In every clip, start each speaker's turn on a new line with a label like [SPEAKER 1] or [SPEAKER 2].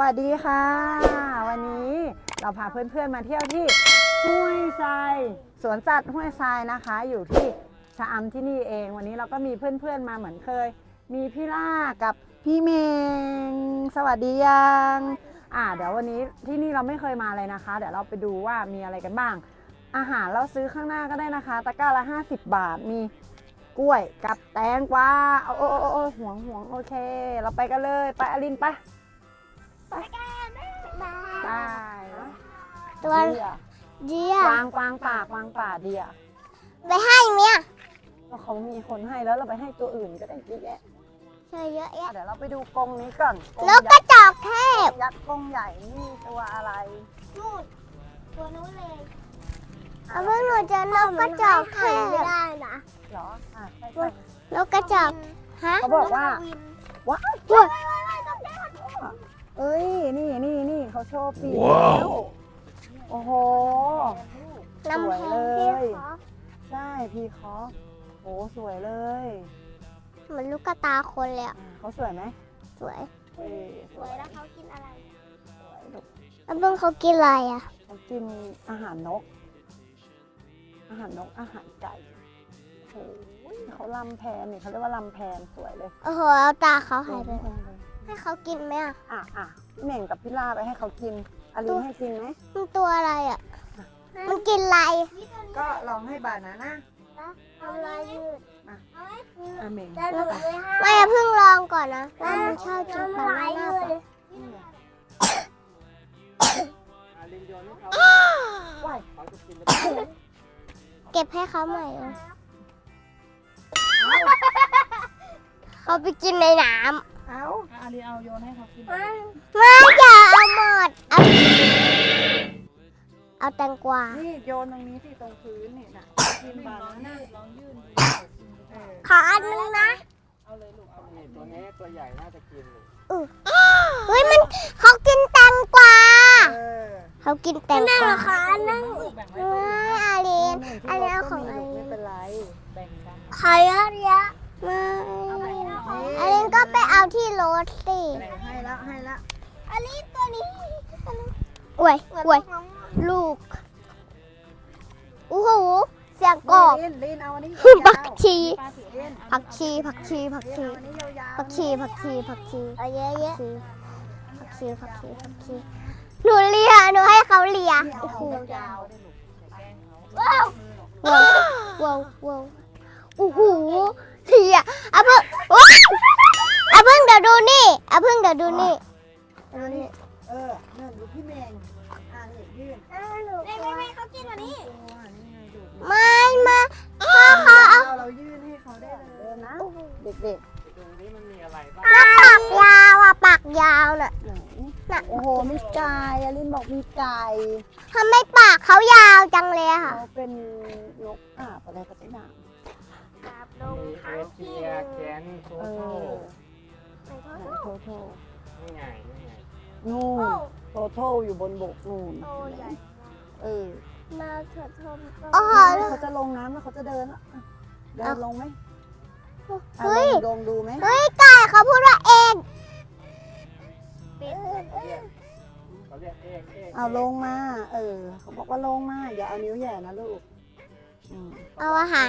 [SPEAKER 1] วัสดีค่ะวันนี้เราพาเพื่อนๆมาเที่ยวที่ห้วยทรายสวนสัตว์ห้วยทรายนะคะอยู่ที่ชะอำที่นี่เองวันนี้เราก็มีเพื่อนๆมาเหมือนเคยมีพี่ล่ากับพี่เมงสวัสดียังเดี๋ยววันนี้ที่นี่เราไม่เคยมาเลยนะคะเดี๋ยวเราไปดูว่ามีอะไรกันบ้างอาหารเราซื้อข้างหน้าก็ได้นะคะตะกร้าละ50 บาทมีกล้วยกับแตงกวาห่วงโอเคเราไปกันเลยไปอลินไปตัวเดียววางปากเดียว
[SPEAKER 2] ไปให้เมีย
[SPEAKER 1] ก็เขามีคนให้แล้วเราไปให้ตัวอื่นก็ได้เยอะแยะ
[SPEAKER 2] เยอะแยะ
[SPEAKER 1] เดี๋ยวเราไปดูกรงนี้ก่อน
[SPEAKER 2] นกกระจอกเทศ
[SPEAKER 1] ยักษ์กรงใหญ่นี่ตัวอะไร
[SPEAKER 2] นู่นตัวนู้นเลยเอาเมื่อหนูเจอนกกระจอกเทศไม่ได้นะ
[SPEAKER 1] หรอใช่
[SPEAKER 2] นกกระจอกฮะ
[SPEAKER 1] เขาบอกว่าว้าวเอ้ยนี่เขาโชว์ปีกแล้วโอ้โหสวยเลยใช่พีคอโอ้สวยเลย
[SPEAKER 2] เหมือนลูกกระตาคนเลย
[SPEAKER 1] เขาสวยไหม
[SPEAKER 2] สวยแล้วเขากินอะไร
[SPEAKER 1] แล้ว
[SPEAKER 2] เบิ้งเขากินอะไร
[SPEAKER 1] เขากินอาหารนกอาหารไก่โอ้เขาลำแพนนี่เขาเรียกว่าลำแพนสวยเลย
[SPEAKER 2] โอ้โหเอาตาเขาหายไปให้เขากินไหม
[SPEAKER 1] เหม่งกับพี่ล่าไปให้เขากินอลินให้กินไหม
[SPEAKER 2] มันตัวอะไรมันกินอะไร
[SPEAKER 1] ก็ลองให้บานาน่า
[SPEAKER 2] ทำอะไรยืด
[SPEAKER 1] เหม่ง
[SPEAKER 2] ไม่เพิ่งลองก่อนนะมันชอบกินบานาน่าเก็บให้เขาใหม่เขาไปกินในน้ำ
[SPEAKER 1] อาลีเอาโยนให้เขากิน
[SPEAKER 2] ไม่อย่าเอาหมดเอาแตงกวา
[SPEAKER 1] นี่โยนตรงนี้ที่ตรงพื้นนี่นะกินบานาน่าลองยื่น
[SPEAKER 2] ขออันนึงนะ
[SPEAKER 1] เอาเลยลูกเอาเลยตัวนี้ตัวใหญ่น่าจะกินเลย
[SPEAKER 2] เฮ้ยมันเขากินแตงกวาเขากินแตงกวาขออันนึงอาลีนเอาของอาลีน
[SPEAKER 1] ไม่เป็นไรแบ่งกัน
[SPEAKER 2] ใครอาลีนอาลีนก็ไปเอาที่รถสิ
[SPEAKER 1] ให้แล้ว
[SPEAKER 2] อาลีนตัวนี้อวยลูกโอ้โหเสียงกบผักชีเอาเยอะหนูเลียหนูให้เขาเลียโอ้โหว้าวโอ้โหเลียเพิ่งเดี๋ยวดูนี่
[SPEAKER 1] นั่นดูพี่เมงนี่ยื่น
[SPEAKER 2] ไม่เขากินวันนี้ไม่พ่อเขาเอา
[SPEAKER 1] เรายื่นให้เขาได้เลยนะเด็กๆตรงนี้มันมีอะไรบ้าง
[SPEAKER 2] ปากยาวน่ะ
[SPEAKER 1] โอ้โหมีไก่อลินบอกมีไก่
[SPEAKER 2] ทำไมปากเขายาวจังเลยค่ะ
[SPEAKER 1] เขาเป็นนกอะไรก็ได้นะ
[SPEAKER 3] มีเอเชียแคนโทโต้นี่ไง
[SPEAKER 1] นู่นโทโต้อยู่บนบกนู่น
[SPEAKER 2] มาเถิดชม
[SPEAKER 1] เขาจะลงน้ำแล้วเขาจะเดินลงไหมลงดูไหม
[SPEAKER 2] เฮ้ยไก่เขาพูดว่าเอง
[SPEAKER 3] เขาเรียกเอก
[SPEAKER 1] เอาลงมาเขาบอกว่าลงมาอย่าเอานิ้วแย่นะลูก
[SPEAKER 2] เอาอาหาร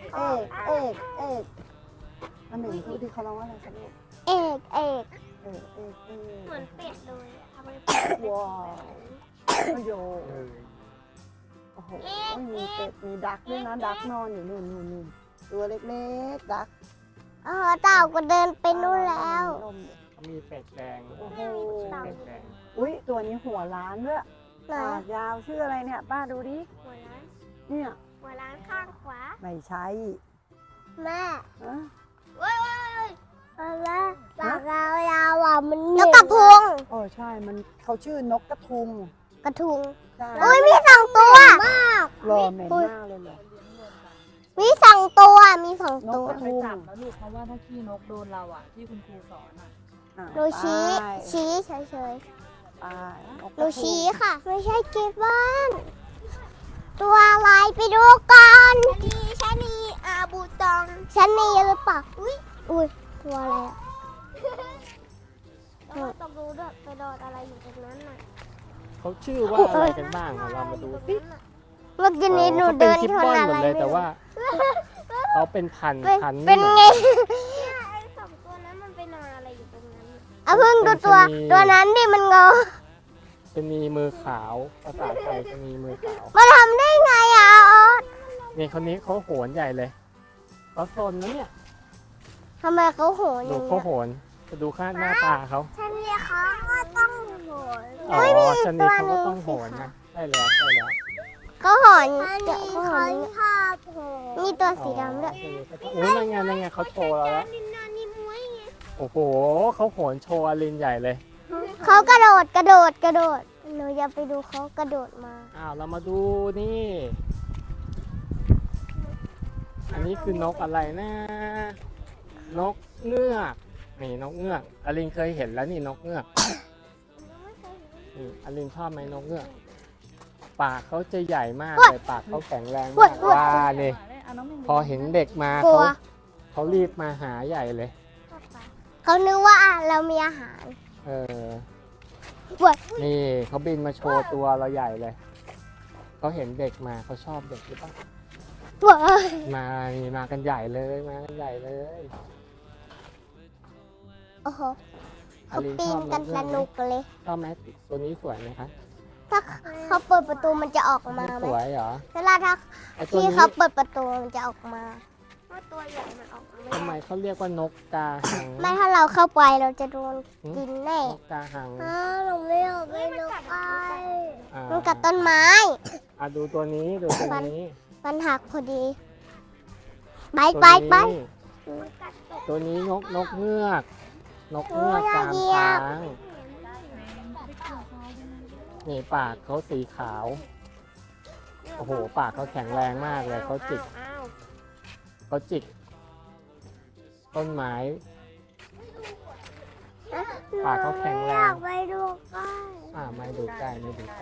[SPEAKER 1] อันหนึ่งพูดที่เขาร้องว่าอะไรคะลูก
[SPEAKER 2] เอก
[SPEAKER 1] เหมือน
[SPEAKER 2] เป็ดเลย
[SPEAKER 1] ว้าวโยโอ้โหมีเป็ดมีดักด้วยนะดักนอนอยู่นู่นตัวเล็กๆดัก
[SPEAKER 2] เต่าก็เดินไปนู่นแล้ว
[SPEAKER 3] มีเป็ดแดง
[SPEAKER 1] โอ้โหอุ้ยตัวนี้หัวล้านด้วยปากยาวชื่ออะไรเนี่ยป้าดูดิ
[SPEAKER 2] หัวล้าน
[SPEAKER 1] เนี่ย
[SPEAKER 2] หัวล้านข้างขวา
[SPEAKER 1] ไม่ใช่
[SPEAKER 2] แม่อะไรปากยาวมันนกกระทุง
[SPEAKER 1] ใช่มันเขาชื่อนกกระทุง
[SPEAKER 2] โอ้ยมี2 ตัว
[SPEAKER 1] มากรอเหม็นมากเลย
[SPEAKER 2] มี2 ตัว
[SPEAKER 4] ไปจับแล้วลูกเพราะว่าถ้าขี้นกโดนเราที่คุณครูสอน
[SPEAKER 2] ดูชี้เฉยๆดูชี้ค่ะไม่ใช่เก็บบ้านตัวอะไรไปดูกันชะนีอาบูตองชะนีหรือเปล่าอุ้ยตัวอะไรแล้วก็ต้องรู้ด้วยไปโดนอะไรอยู่ตรงนั้นน่ะ
[SPEAKER 3] เขาชื่อว่าอะไรกันบ้างอะเรามาดูสิ
[SPEAKER 2] เมื่อกี้นี้หนู
[SPEAKER 3] เขาเป็
[SPEAKER 2] เดิ
[SPEAKER 3] น
[SPEAKER 2] น
[SPEAKER 3] กิฟ
[SPEAKER 2] ช
[SPEAKER 3] บ
[SPEAKER 2] น
[SPEAKER 3] อน
[SPEAKER 2] อะ
[SPEAKER 3] หม
[SPEAKER 2] ไร
[SPEAKER 3] ดเลย
[SPEAKER 2] ไม่
[SPEAKER 3] แต่
[SPEAKER 2] รู้
[SPEAKER 3] ว่าเขาเป็นพัน
[SPEAKER 2] เป็น
[SPEAKER 3] นี่
[SPEAKER 2] ไงไอ้สองตัวนั้นมันไปนอนอะไรอยู่ตรงนั้นเอาเพิ่งดูตัวนั้นดิมันงอ
[SPEAKER 3] จะมีมือขาวภาษาไทยจะมีมือขาว
[SPEAKER 2] มาทำได้ไงอ่ะออส
[SPEAKER 3] นี่คนนี้เขาโหนใหญ่เลยเขาซนนะเนี่ย
[SPEAKER 2] ทำไมเขาโหนอ
[SPEAKER 3] ดู
[SPEAKER 2] ย่าง
[SPEAKER 3] เขา
[SPEAKER 2] เงี้ย
[SPEAKER 3] โหนจะดูค่าหน้าตาเขา
[SPEAKER 2] ฉันเนี่ยเขาก็ต้องโหน
[SPEAKER 3] อ๋อชนิดเขาก็ต้องโหนนะใช่แล้วใช่แล้ว
[SPEAKER 2] เขาโหนเดี๋ยวเขาโหนนี่ตัวสีดำด้วย
[SPEAKER 3] โอ้ยนั่นไงเขาโชว์เราแล้วโอ้โหเขาโหนโชว์อลินใหญ่เลย
[SPEAKER 2] เขากระโดดหนูอยากไปดูเขากระโดดมา
[SPEAKER 3] อ้าวเรามาดูนี่ อันนี้คือนกอะไรนะ นกเงือกนี่นกเงือกอลินเคยเห็นแล้วนี่นกเงือกนี่อลินชอบไหมนกเงือกปากเขาจะใหญ่มากเลยปากเขาแข็งแรงมากว่านี่พอเห็นเด็กมาก
[SPEAKER 2] ลัว
[SPEAKER 3] เขารีบมาหาใหญ่เลย
[SPEAKER 2] เขานึกว่าเรามีอาหาร
[SPEAKER 3] เออ
[SPEAKER 2] กลัว
[SPEAKER 3] นี่เขาบินมาโชว์ตัวเราใหญ่เลยเขาเห็นเด็กมาเขาชอบเด็กหรือเปล่า
[SPEAKER 2] กลัว
[SPEAKER 3] มานี่มากันใหญ่เลยมากันใหญ่เลย
[SPEAKER 2] โอ้โห
[SPEAKER 3] อา
[SPEAKER 2] เขา
[SPEAKER 3] ริน
[SPEAKER 2] ปี
[SPEAKER 3] ชอน บ
[SPEAKER 2] กัน
[SPEAKER 3] ก
[SPEAKER 2] ส
[SPEAKER 3] เงือกไหม
[SPEAKER 2] นุกเลย
[SPEAKER 3] ชอบไหมตัวนี้สวยไหมคะ
[SPEAKER 2] ถ้าเขาเปิดประตูมันจะออกมา
[SPEAKER 3] ไม่
[SPEAKER 2] ไหม
[SPEAKER 3] สวยเหรอ
[SPEAKER 2] เวลาถ้า
[SPEAKER 3] ไอตัว
[SPEAKER 2] ที่
[SPEAKER 3] นี้
[SPEAKER 2] เขาเปิดประตูมันจะออกมาว่าตัวใหญ่มันออกมา
[SPEAKER 3] ทำไมเขาเรียกว่านกกาหัง
[SPEAKER 2] ไม่ถ้าเราเข้าไปเราจะโดนกินแน่
[SPEAKER 3] นกกาหัง
[SPEAKER 2] หนูไม่เอาไปนกไป
[SPEAKER 3] อ่า
[SPEAKER 2] มันกัดต้นไม้
[SPEAKER 3] ดูตัวนี้ดูตัวนี้
[SPEAKER 2] มันหักพอดีไป
[SPEAKER 3] ตัว
[SPEAKER 2] ไปไป
[SPEAKER 3] นี้ตัวนี้นกเงือกนกเงือก
[SPEAKER 2] โอ้ย
[SPEAKER 3] กาม
[SPEAKER 2] เหยียบ
[SPEAKER 3] ช้างนี่ปากเขาสีขาวโอ้โหปากเขาแข็งแรงมากเลยเขาจิกต้นไม้ ปากเขาแข็งแรง
[SPEAKER 2] อยากไปดูกัน
[SPEAKER 3] ไม่ดูใกล้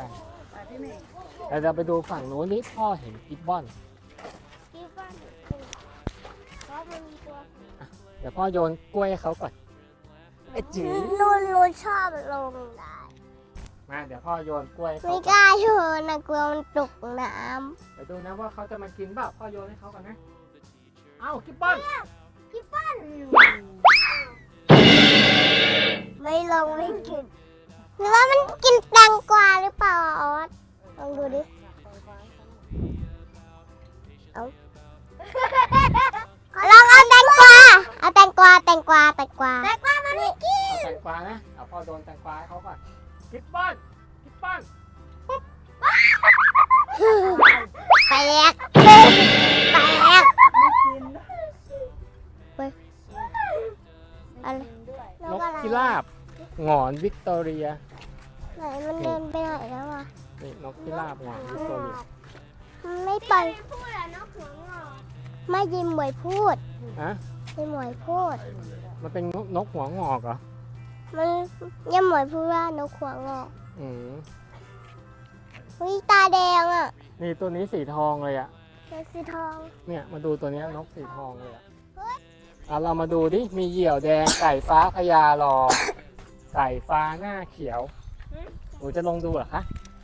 [SPEAKER 3] แต่เราไปดูฝั่งนู้นนี่พ่อเห็นกิบบอน
[SPEAKER 2] ที่บ้านเพราะมันมีตัว
[SPEAKER 3] เดี๋ยวพ่อโยนกล้วยให้เขาก่อนไอ้จื๋อ
[SPEAKER 2] นูชอบลงได้
[SPEAKER 3] มาเดี๋ยวพ่อโยนกล้วยให้
[SPEAKER 2] ไม่
[SPEAKER 3] เขา
[SPEAKER 2] ก
[SPEAKER 3] ก่อน
[SPEAKER 2] ล้าโยนนะกลัวมันตกน้
[SPEAKER 3] เดี๋ยวดูนะว่าเขาจะมากินเปล่าพ่อโยนให้เขาก่อนนะเอ้ากิบบอน
[SPEAKER 2] ำไม่ลงไม่กินหรือว่ามันกินแตงกวาหรือเปล่าออสลองดูดิเอาลองเอาแตงกวาแตงกวามันไม่กิน
[SPEAKER 3] เอาแตงกวานะเอาพ่อโยนแตงกวาให้เขาก่อนกิบบอน
[SPEAKER 2] แตกอะไร
[SPEAKER 3] นกพิราบหงอนวิกตอเรีย
[SPEAKER 2] ไหนมันเดินไปไหนแล้วอ่ะ
[SPEAKER 3] นี่นกพิราบหงอนวิกตอเรีย
[SPEAKER 2] มันไม่ไปไม่ยิมหมวยพูด
[SPEAKER 3] ฮะ
[SPEAKER 2] ยิมหมวยพูด
[SPEAKER 3] มันเป็นนกหัวงอกเหรอ
[SPEAKER 2] มันยิมหมวยพูดว่านกหัวงอก
[SPEAKER 3] อืม
[SPEAKER 2] วิตาแดงอ่ะ
[SPEAKER 3] นี่ตัวนี้สีทองเลยอะ
[SPEAKER 2] เป็นสีทอง
[SPEAKER 3] เนี่ยมาดูตัวเนี้ยนกสีทองเลยอะเรามาดูดิมีเหยี่ยวแดงไก่ฟ้าพญารอ ไก่ฟ้าหน้าเขียวหนูจะลงดูเหรอคะ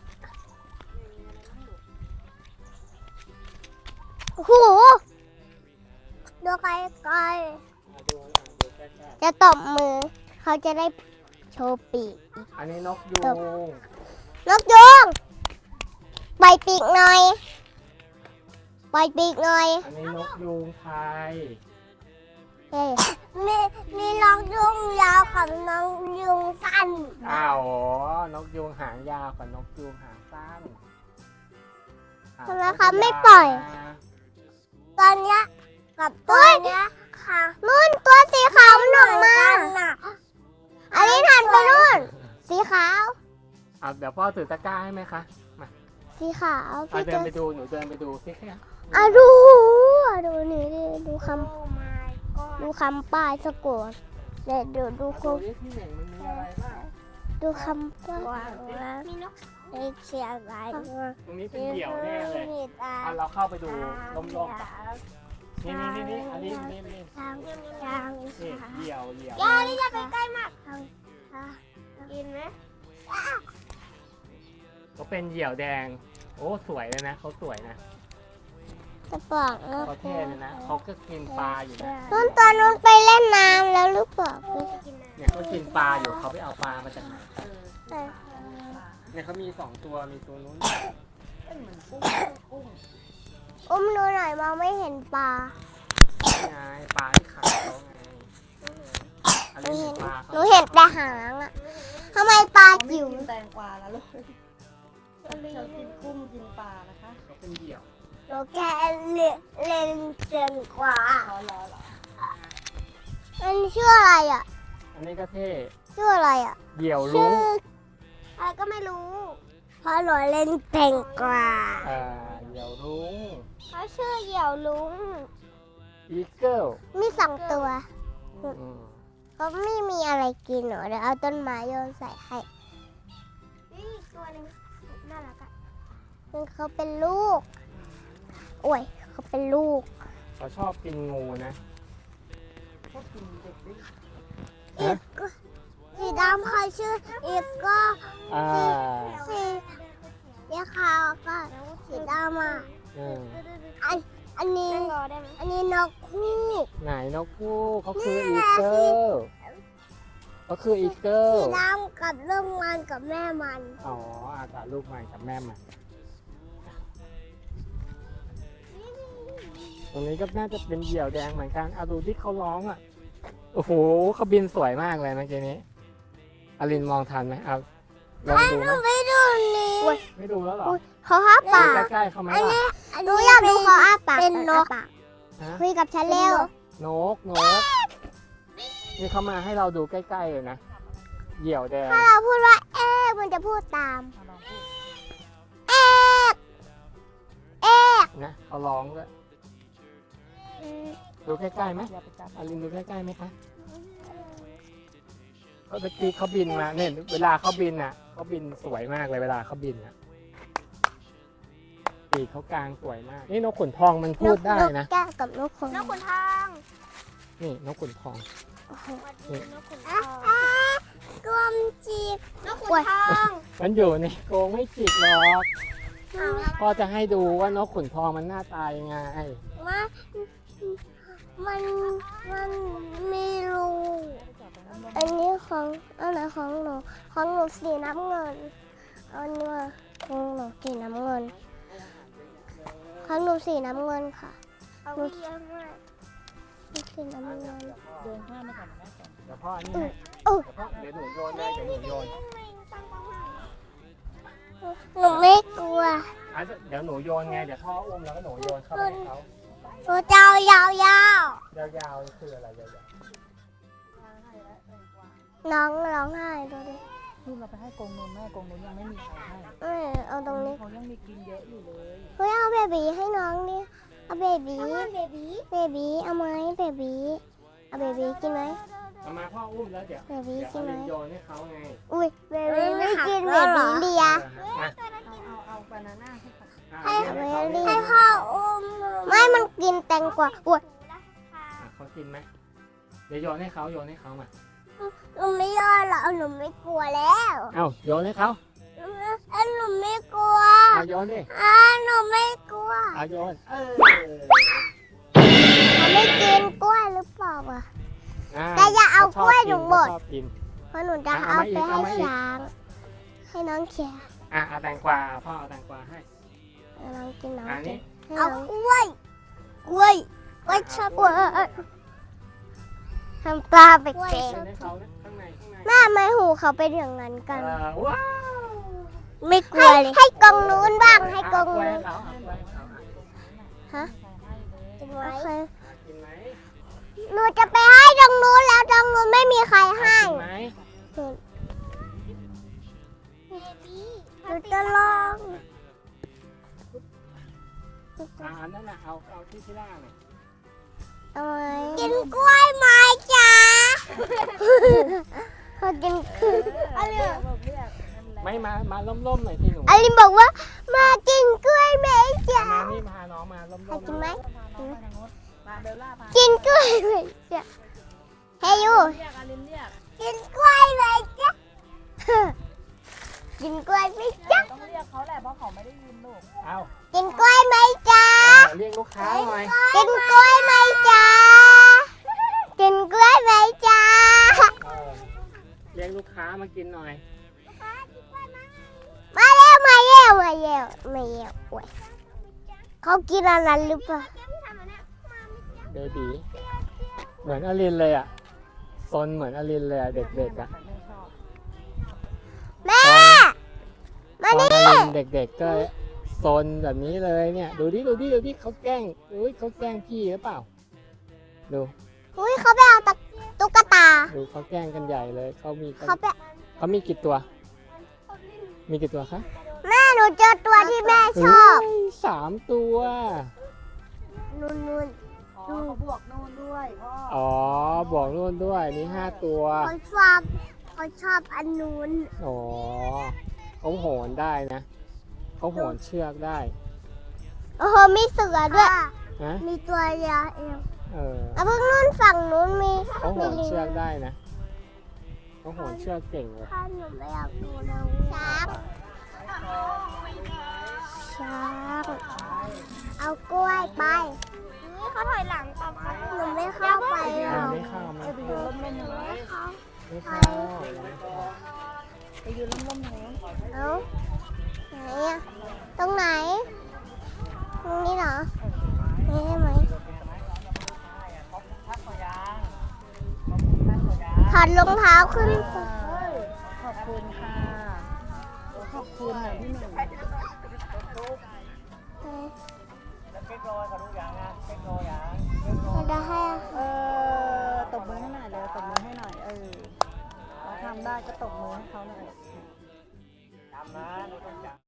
[SPEAKER 2] โอ้โหดูไกล
[SPEAKER 3] ดูใกล้
[SPEAKER 2] ๆจะตบมือ เขาจะได้โชว์ปีก
[SPEAKER 3] ๆอันนี้นกยูง
[SPEAKER 2] นกยุงปล่อยปีกหน่อย
[SPEAKER 3] อันนี้นกยูงไทย
[SPEAKER 2] เฮ้ยมีนกยุงยาวกับนกยุงสั้น
[SPEAKER 3] อ้าวอ๋อนกยูงหางยาวกับนกยูงหางสั้น
[SPEAKER 2] ทำไมเขาไม่ปล่อย ตอนเนี้ยกับตัวเนี้ยค่ะนู่นตัวสีขาวมันออกมาอันนี้หันไปนู่น สีขาว
[SPEAKER 3] เดี๋ยวพ่อถือตะกร้าให้ไหมคะ
[SPEAKER 2] สีขาว
[SPEAKER 3] เดินไปดูหนูเดินไปดูสิแค่
[SPEAKER 2] ดูนี่ดิดูคำป้ายสะกดเดี๋ยวดูคง
[SPEAKER 3] ที่หนึ่งมันมีอะไรบ้าง
[SPEAKER 2] ดูคำป้ายมีนกเสียงอะไร
[SPEAKER 3] ตรงนี้เป็นเหยี่ยวแน่เลยเราเข้าไปดูลมๆก่อนนี่อันนี้นี่เหยี่ยว
[SPEAKER 2] อย่านี่จะไปใกล้มากกินไหม
[SPEAKER 3] เขาเป็นเหยี่ยวแดง โอ้สวยเลยนะเขาสวยนะ
[SPEAKER 2] จะบอกนะ
[SPEAKER 3] เขาเท่เลยนะเขาก็กินปลาอยู่นะ
[SPEAKER 2] ตอนนู้นไปเล่นน้ำแล้วหรือเปล่า
[SPEAKER 3] เนี่ยเขากินปลาอยู่เขาไปเอาปลามาจากไหนเนี่ยเขามี2ตัวมีตัวนู้น
[SPEAKER 2] อุ้มดูหน่อยมองไม่เห็นปลา
[SPEAKER 3] ไงปลาที่ขาเขาไงอัน
[SPEAKER 2] หนู
[SPEAKER 3] นี้
[SPEAKER 2] เห็น
[SPEAKER 3] ปลา
[SPEAKER 2] หนูเห็นแต่หางอะทำไมปลาจิ๋ว
[SPEAKER 4] กินแตงกวาแล้วลูกเรากินกุ้งกินปลานะคะ
[SPEAKER 3] เขาเป็นเหยี่ยว
[SPEAKER 2] หนูแค่เล่นเกินกว่า
[SPEAKER 4] เหรอ
[SPEAKER 2] มันชื่ออะไรอ่ะ
[SPEAKER 3] อันนี้ก็เท่
[SPEAKER 2] ชื่ออะไรอ่ะ
[SPEAKER 3] เหยี่ยว
[SPEAKER 2] ชื่
[SPEAKER 3] ลุ้
[SPEAKER 2] อง อะไรก็ไม่รู้เพราะหนูเล่นเก่งกว่า
[SPEAKER 3] เหยี่ยวลุ้ง
[SPEAKER 2] เขาชื่อเหยี่ยวลุง
[SPEAKER 3] อีเกิล
[SPEAKER 2] มี2 ตัวเขาไม่มีอะไรกินหนูเดี๋ยวเอาต้นไม้โยนใส่ให้นี่ตัวนึงน่ารักอ่ะเขาเป็นลูกโอ้ยเขาเป็นลูก
[SPEAKER 3] เขาชอบกินงูนะ
[SPEAKER 4] ชอบกินเด็กด้วย
[SPEAKER 2] อีกก็สีดำเขาชื่ออีกก็
[SPEAKER 3] อ่า
[SPEAKER 2] สีขาวก็สีดำอ่ะ
[SPEAKER 3] อืม
[SPEAKER 2] อันนี้นกคู่
[SPEAKER 3] ไหนนกคู่เขาคืออีเกิลเขาคืออีเกิล
[SPEAKER 2] สีดำกับลูกมันกับแม่มัน
[SPEAKER 3] อ๋ออาจารย์ลูกใหม่กับแม่ใหม่ตรงนี้ก็น่าจะเป็นเหยี่ยวแดงเหมือนกันเอาดูที่เขาร้องอ่ะโอ้โหเขาบินสวยมากเลยเมื่อกี้นี้อลินมองทันไหมเอาลองดูไหม
[SPEAKER 2] ไม่ดูนี่
[SPEAKER 3] ไม่ดูแล้วเหรอ
[SPEAKER 2] เขาอ้าปาก
[SPEAKER 3] ดูใกล้ๆเขาไหมล่ะ
[SPEAKER 2] หนูอยากดูเขาอ้าปากเป็นนก
[SPEAKER 3] ฮะ
[SPEAKER 2] คุยกับฉันเร็วน
[SPEAKER 3] กนี่เขามาให้เราดูใกล้ๆเลยนะเหยี่ยวแดง
[SPEAKER 2] ถ้าเราพูดว่าเอ๊ะมันจะพูดตาม
[SPEAKER 4] ลองพูด
[SPEAKER 2] เอ๊ะเอ๊ะ
[SPEAKER 3] นะเขาร้องด้วยดูใกล้ๆไหม
[SPEAKER 4] อย่าไปจับ
[SPEAKER 3] อลินดูใกล้ๆไหมคะเมื่อกี้เขาบินมาเนี่ยเวลาเขาบินอ่ะเขาบินสวยมากเลยเวลาเขาบินอ่ะปีกเขากลางสวยมาก นี่นกขุนทองมันพูดได้นะ
[SPEAKER 2] นกแก้วกับนกขุนทอง
[SPEAKER 3] นี่นกขุนทอง นี่
[SPEAKER 2] กลมจีบนกขุนทอง
[SPEAKER 3] มันอยู่ในกรงไม่จิกหรอกพ่อจะให้ดูว่านกขุนทองมันหน้าตายังไง
[SPEAKER 2] มันมีรูอันนี้ของอันไหนของหนูสีน้ำเงินอันนี้ของหนูสีน้ำเงินของหนูสีน้ำเงินค่ะหนูสีน้ำเงิน
[SPEAKER 4] เดินข้ามมาก่อนนะ
[SPEAKER 3] เดี๋ยวพ่ออันนี้ให้
[SPEAKER 2] โอ้
[SPEAKER 3] เดี๋ยวหนูโยนเลยเดี๋ยวหนูโยน
[SPEAKER 2] หนูไม่กลัว
[SPEAKER 3] อ่ะเดี๋ยวหนูโยนไงเดี๋ยวพ่ออุ้มแล้วก็หนูโยนเข้าไปให้เขา
[SPEAKER 2] หนูจะเอายาว
[SPEAKER 3] ยาวๆคืออะไรยาว
[SPEAKER 2] ๆน้องร้องไห้ดูดิ
[SPEAKER 4] ลูกเราไปให้กรงนมแม่กรงนมยังไม่มีใครให้
[SPEAKER 2] เอาตรงนี้
[SPEAKER 4] เขายังมีกินเยอะอยู่เลย
[SPEAKER 2] เฮ้ยเอาเบบีให้น้องดิเอาเบบีเอาไหมเบบีเอาเบบีกินไหม
[SPEAKER 3] ๆเอามาพ่ออุ้มแล้วเดี๋ยว
[SPEAKER 2] เบบี
[SPEAKER 3] เดี๋ยว
[SPEAKER 2] กินไหม
[SPEAKER 3] เอาโยนให้เขาไง
[SPEAKER 2] อุ้ยเบบีไม่กินเบบีเลีย
[SPEAKER 3] มา
[SPEAKER 4] เอาบานาน่าให้ค่ะ
[SPEAKER 2] ให้พ่ออุ้มไม่มันกินแตงกวาอุ้ย
[SPEAKER 3] เขากินไหมเดี๋ยวโยนให้เขาโยนให้เขามา
[SPEAKER 2] หนูไม่ยอมหรอกหนูไม่กลัวแล้ว
[SPEAKER 3] เอ้าโยนให้เขา
[SPEAKER 2] หนูไม่กลัว
[SPEAKER 3] เอาโยนดิ
[SPEAKER 2] หนูไม่กลัว
[SPEAKER 3] เอาโยน
[SPEAKER 2] เขาไม่กินกล้วยหรือเปล่าอ่ะ
[SPEAKER 3] อ่า
[SPEAKER 2] แต่อย่าเอากล้วยหนูหมด
[SPEAKER 3] เขาชอบกิน
[SPEAKER 2] เพราะหนูจะเอาไปให้ช้างให้น้องเขีย
[SPEAKER 3] เอาแตงกวาพ่อเอาแตงกวาให้
[SPEAKER 2] น้องกินน้อง
[SPEAKER 3] อัน
[SPEAKER 2] กิ
[SPEAKER 3] นี้
[SPEAKER 2] นเอากล้วยชอบกล้วยทำปลาไปเก่ง
[SPEAKER 3] โยนให้เขานะข้างในข้างใน
[SPEAKER 2] แม่ไม่หูเขาเป็นอย่างนั้นกัน
[SPEAKER 3] ว้าว
[SPEAKER 2] ไม่กลัวเลยให้กองนู้นบ้างให้กอง
[SPEAKER 3] เอากล้วย
[SPEAKER 2] นู้น
[SPEAKER 3] ให้เขาเอากล้วยให้เขา
[SPEAKER 2] ฮะ
[SPEAKER 4] ใครให้เลย
[SPEAKER 2] กินไว้
[SPEAKER 3] กินไหม
[SPEAKER 2] หนูจะไปให้ตรงนู้นแล้วตรงนู้นไม่มีใครให้
[SPEAKER 3] กินไหม
[SPEAKER 2] หนูจะลอง
[SPEAKER 3] อันนั้นน่ะเอาที่ที่ล่างน่ะ
[SPEAKER 2] เอาไหมกินกล้วยไหมจ๊ะเขากินคืออะไร
[SPEAKER 4] บอกเรียกให้มันแรง
[SPEAKER 3] ไม่มาล่มๆหน่อยสิหนู
[SPEAKER 2] อลินบอกว่ามากินกล้วยไหมจ๊ะ
[SPEAKER 3] มานี่พาน้องมาล่ม
[SPEAKER 2] ให้กินไหม
[SPEAKER 4] พาน้องไปทางโน้นมาเบลล่าพา
[SPEAKER 2] กินกล้วยไหมจ๊ะเฮ้ยยู
[SPEAKER 4] เรียกอาลินเรียก
[SPEAKER 2] กินกล้วยไหมจ๊ะ กินกล้วยไหมจ๊ะ
[SPEAKER 4] ต้องเรียกเขาแหละเพราะเขาไม่ได้ยินลูก
[SPEAKER 3] เอา
[SPEAKER 2] กินกล้วยไหมจ๊ะ
[SPEAKER 3] เรียกลูกค้าหน่อย
[SPEAKER 2] กินกล้วยไหมจ๊ะ กินกล้วยไหมจ๊ะ
[SPEAKER 3] เรียกลูกค้ามากินหน่อย
[SPEAKER 2] มาเร็วมาเร็วมาเร็วมาเร็วโอ้ยเขากินอะไรหรือเปล่า
[SPEAKER 3] เบบีเหมือนอลินเลยอ่ะซนเหมือนอลินเลยอ่ะเด็กๆอ่ะ
[SPEAKER 2] แม่
[SPEAKER 3] ตอนอลินเด็กๆก็ซนแบบนี้เลยเนี่ยดูดิเขาแกล้งอุ้ยเขาแกล้งพี่หรือเปล่าดู
[SPEAKER 2] อุ้ยเขาไปเอาตุ๊กตา
[SPEAKER 3] ดูเขาแกล้งกันใหญ่เลยเขามี
[SPEAKER 2] เขาไป
[SPEAKER 3] เขามีกี่ตัว มีกี่ตัวคะ
[SPEAKER 2] แม่หนูเจอตัวที่แม่ชอบ
[SPEAKER 3] เฮ้ย3 ตัว
[SPEAKER 2] นู่น
[SPEAKER 1] อ๋อเขาบวกนู่นด้วยพ่อ
[SPEAKER 3] อ๋อบอกนู่นด้วยมี5 ตัว
[SPEAKER 2] ๆเขาชอบอันนู้น
[SPEAKER 3] อ๋อเขาโหนได้นะเขาโหนเชือกได้
[SPEAKER 2] โอ้โหมีเสือด้วย
[SPEAKER 3] นะ
[SPEAKER 2] มีตัวยาเอง
[SPEAKER 3] เออ
[SPEAKER 2] แล้วเพิ่งนู่นฝั่งนู้นมี
[SPEAKER 3] เขาโหน
[SPEAKER 2] ลิง
[SPEAKER 3] เชือกได้นะเขาโหนเชือกเก่งเลย
[SPEAKER 2] ถ้าหนูไม่อยากดูน้องช้างเอากล้วยไปนี่เขาถอยหลังตามหนูไม่เข้าไปหรอก
[SPEAKER 3] ไม่เข้าไม่เข้า
[SPEAKER 2] ไม่เข้า
[SPEAKER 3] ไม่เข้า
[SPEAKER 1] ไปยืนร่มๆหนู
[SPEAKER 2] เอาไหนอะตรงไหน ตรงนี้เหรอนี่ใช่ไหมถอดรองเท้าขึ้นก่อน
[SPEAKER 1] ขอบคุณค่ะ ขอบคุณหน่อยพี่หนึ่ง
[SPEAKER 2] จะให้อะ
[SPEAKER 1] ตบมือให้หน่อยเร็วตบมือให้หน่อยเราทำได้ก็ตบมือให้เขาหน่อย